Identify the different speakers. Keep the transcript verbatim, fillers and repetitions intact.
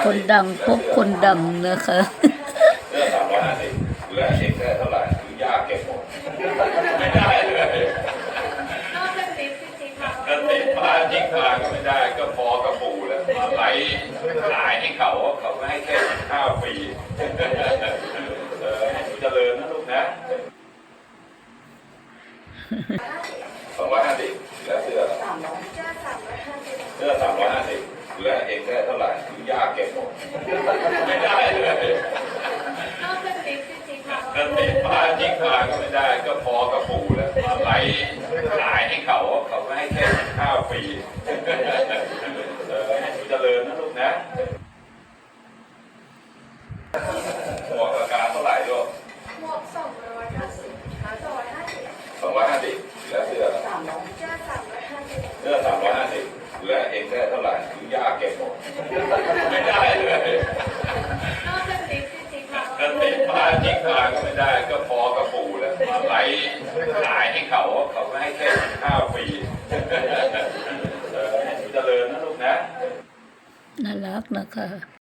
Speaker 1: คนดังพบคนดังนะคะ
Speaker 2: เรื่องสามร้อยห้าสิบเหลือเองได้เท่าไหร่คือยากเก็บหมดไม่ได้เลย
Speaker 3: นอกจากติ๊บที่ติ๊บมา
Speaker 2: ถ้าติดมาจิ้งมาก็ไม่ได้ก็พอกระปูแล้วมาไหลขายให้เขาเขาไม่ให้แค่ห้าปีเออให้เจริญนะลูกนะสองร้อยห้าสิบเหลือเสื้อ
Speaker 3: เจ้าสามร้อยห้าสิบ
Speaker 2: เสื้อสามร้อยห้าสิบเหลือเองได้เท่าไหร่คือยากเก็บหมดไม่ได้เลย
Speaker 3: นอกจากติ๊บที่ติ๊บมา
Speaker 2: ถ้าติดมาจิ้งมาก็ไม่ได้ก็พอกระปูแล้วมาไหลขายให้เขาเขาไม่ให้แค่ห้าปีเออให้เจริญนะลูกนะหมวกราคาเท่าไหร่ลูก
Speaker 3: หมวกสองร้อยห้าสิบขาสองร้อยห้าสิบ
Speaker 2: สองร้อยห้าสิบแล้วเสื้อ
Speaker 3: สามร้อยเจ้าสามร้อยห้าสิบ
Speaker 2: เสื้อสามร้อยห้าสิบเหลือเองได้เท่าไหร่คือยากเก็บหมดไม่ได้เลย
Speaker 3: นอกจากติ๊บที่ติ๊บมา
Speaker 2: ถ้าติดมาจิ้งมาก็ไม่ได้ก็พอกระปูแล้วมาไหลขายให้เขาเขาไม่ให้แค่ห้าปีเออให้เจริญนะลูกนะ
Speaker 1: น่ารักนะคะ